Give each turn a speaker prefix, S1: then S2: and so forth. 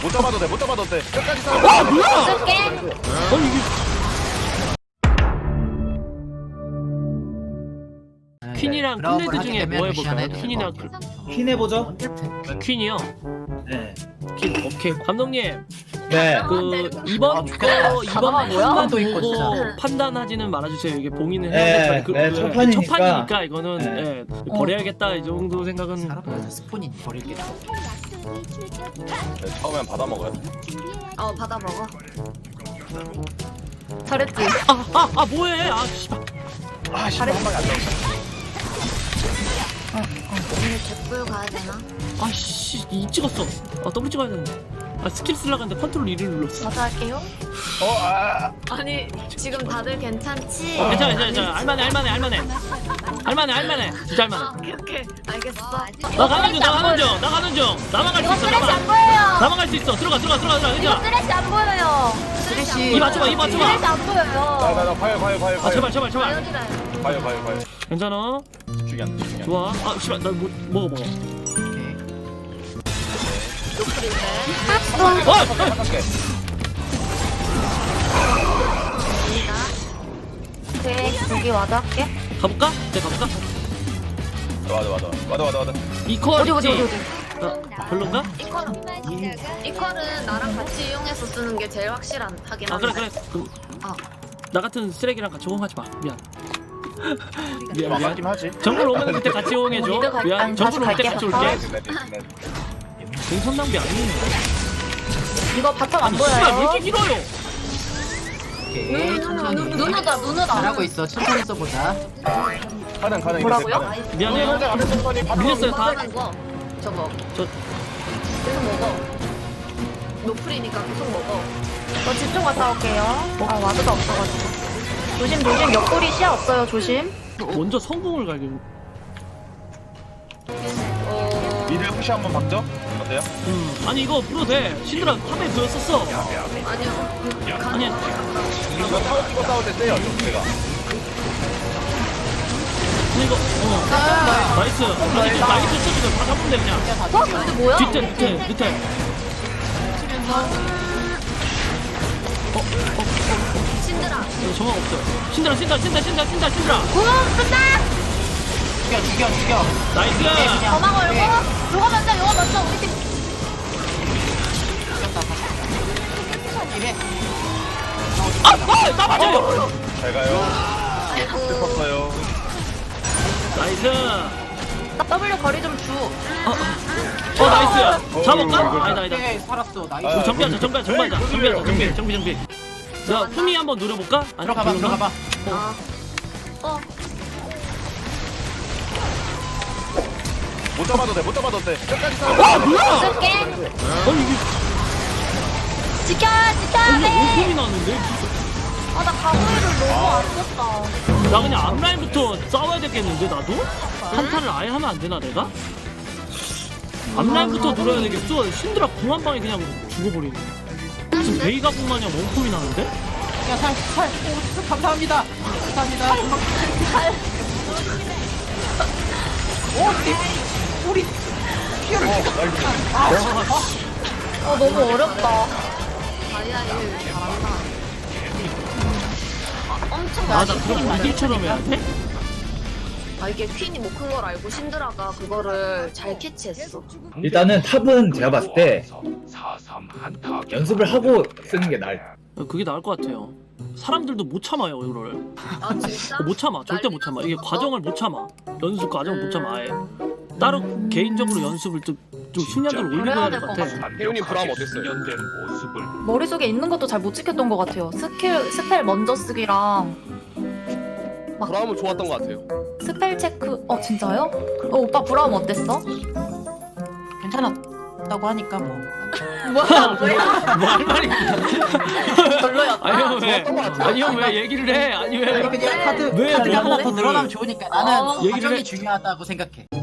S1: 못 잡아도 돼, 못 잡아도 돼. 끝까지 싸워.
S2: 아 뭐야?
S3: 쓸게.
S2: 아니 이게 퀸이랑 클레드 중에 뭐 해볼까요? 퀸이랑
S4: 퀸 해보죠.
S2: 퀸이요.
S4: 네.
S2: 퀸 오케이. 감독님
S4: 네.
S2: 그 이번 거 이번
S3: 뭐야?
S2: 판만
S5: 또 있고,
S2: 보고
S5: 진짜.
S2: 판단하지는 말아주세요. 이게 봉인을
S4: 네,
S2: 해야 될
S4: 네, 첫 판이니까.
S2: 첫 판이니까 이거는
S4: 네.
S2: 예, 버려야겠다 이 정도 생각은.
S5: 사람마다 스폰이 버릴게.
S1: 네, 처음엔 받아 먹어요.
S3: 받아 먹어. 잘했지.
S2: 아 뭐해? 아 씨발.
S1: 아, 씨, 한 방에 안 나온다.
S3: 오늘 갯불 가야 되나?
S2: 아씨 이 찍었어. 아 더블 찍어야 되는데. 아 스킬 쓰려고 했는데 컨트롤 2를 눌렀어.
S3: 저도 할게요. 아니 지금 다들 괜찮지?
S2: 괜찮아. 알만해. 진짜 알만해.
S3: 오케이 알겠어.
S2: 나 가는 중. 나만 갈 수
S3: 이거
S2: 있어.
S3: 쓰레쉬 안 보여요.
S2: 나만 갈 수 있어. 들어가.
S3: 이거
S2: 괜찮아.
S3: 쓰레쉬 안 보여요.
S5: 쓰레쉬.
S2: 이 맞춰봐.
S3: 쓰레쉬 안
S1: 나,
S3: 보여요.
S1: 봐요.
S2: 아 제발.
S3: 여기다.
S1: 봐요.
S2: 괜찮아.
S1: 죽이 안 돼.
S2: 좋아. 아 씨발 나 먹어.
S3: 노크리인데.
S1: 잠깐게.
S3: 갑니다. 오케이 여기 와도 할게.
S2: 가볼까? 네 가볼까?
S1: 와다.
S2: 이퀄
S3: 어디.
S2: 별론가?
S3: 이퀄은 나랑 같이 이용해서 쓰는 게 제일 하긴
S2: 아
S3: 한데.
S2: 그래. 그럼
S3: 아.
S2: 나 같은 쓰레기랑 같이 호응하지 마. 미안.
S1: 맞긴 하지.
S2: 정글 오면 그때 같이 호응해줘.
S3: 니도 갈-
S2: 미안.
S3: 아니,
S2: 정글 올 때
S3: 다시
S2: 같이
S3: 갈게.
S2: 올게. 공선 낭비 아니네.
S3: 이거 바텀 안
S2: 아니 씨발 왜
S3: 보여요?
S2: 이렇게 길어요?
S5: 오케이, 천천히.
S3: 눈우다.
S5: 잘하고 있어. 천천히 써보자.
S1: 가능.
S3: 뭐라고요?
S2: 미안해요. 밀렸어요 다.
S3: 먹는 거. 저거.
S2: 저
S3: 계속 먹어. 노플이니까 계속 먹어. 저 집중 갔다 올게요. 아 와드가 없어가지고. 조심. 옆구리 시야 없어요. 조심.
S2: 먼저 성공을 갈기고.
S1: 미드 푸시 한번 박죠? 어때요?
S2: 아니 이거 불어도 돼. 신드라 탑에 보였었어.
S3: 아니요.
S2: 아니
S1: 이거 타워 찍고 싸울 때 세요, 제가.
S2: 근데 이거 나이스. 아니 나이스 쳐주면 다 잡으면 돼 그냥.
S3: 근데 뭐야?
S2: 밑에.
S3: 신드라.
S2: 정황 없어요. 신드라.
S3: 끝나.
S5: 죽여.
S2: 나이스.
S3: 저만 걸고. 요거 먼저. 우리 팀.
S5: 이래.
S2: 나 맞아요.
S1: 잘 가요. 슬펐어요.
S2: 나이스.
S3: W 거리 좀 주.
S2: 나이스. 잡을까? 아니다.
S5: 오케이, 살았어. 나이스.
S1: 아,
S2: 정비하자. 정비. 자, 품이 한번 노려볼까? 아니,
S5: 들어가봐.
S1: 못 잡아도 돼. 끝까지 싸워.
S2: 뭐야?
S3: 쓸게.
S2: 아니 이게
S3: 지켜야 돼.
S2: 오품이 나왔는데?
S3: 나 가구리를 너무 안 썼다.
S2: 나 그냥 앞라인부터 싸워야 되겠는데 나도? 한타를 아예 하면 안 되나 내가? 앞라인부터 노려야 되겠어. 신드라 궁 한 방에 그냥 죽어버리네. 지금 베이가 궁 마냥 원품이 나는데?
S5: 야, 살. 오, 감사합니다. 우리
S3: 너무 어렵다. 다이아일 잘한다. 엄청
S2: 나 그럼 이길처럼 해야 돼?
S3: 이게 퀸이 못 큰 걸 알고 신드라가 그거를 잘 캐치했어.
S4: 일단은 탑은 제가 봤을 때 연습을 하고 쓰는 게 나을.
S2: 그게 나을 것 같아요. 사람들도 못 참아요 이거를.
S3: 아 진짜?
S2: 못 참아. 절대 못 참아. 이게 과정을 못 참아. 연습 과정을 못 참아 아예. 따로 개인적으로 연습을 좀 숙련도를 올리고 해야 될 것 같아.
S1: 혜윤이 브라움 어땠어요?
S6: 머릿속에 있는 것도 잘 못 지켰던 것 같아요. 스펠 먼저 쓰기랑
S1: 브라움은 좋았던 것 같아요.
S6: 스펠 체크. 진짜요? 오빠 브라움 어땠어?
S5: 괜찮았다고 하니까 뭐.
S3: 뭐야?
S2: 뭐 할 말이
S3: 별로였다.
S2: 아니 형 왜 얘기를 해? 아니 왜?
S5: 그냥
S2: 왜
S5: 카드가 하나 더
S2: 그거를-
S5: 늘어나면 좋으니까 나는
S2: 얘기를 해.
S5: 과정이 중요하다고 생각해.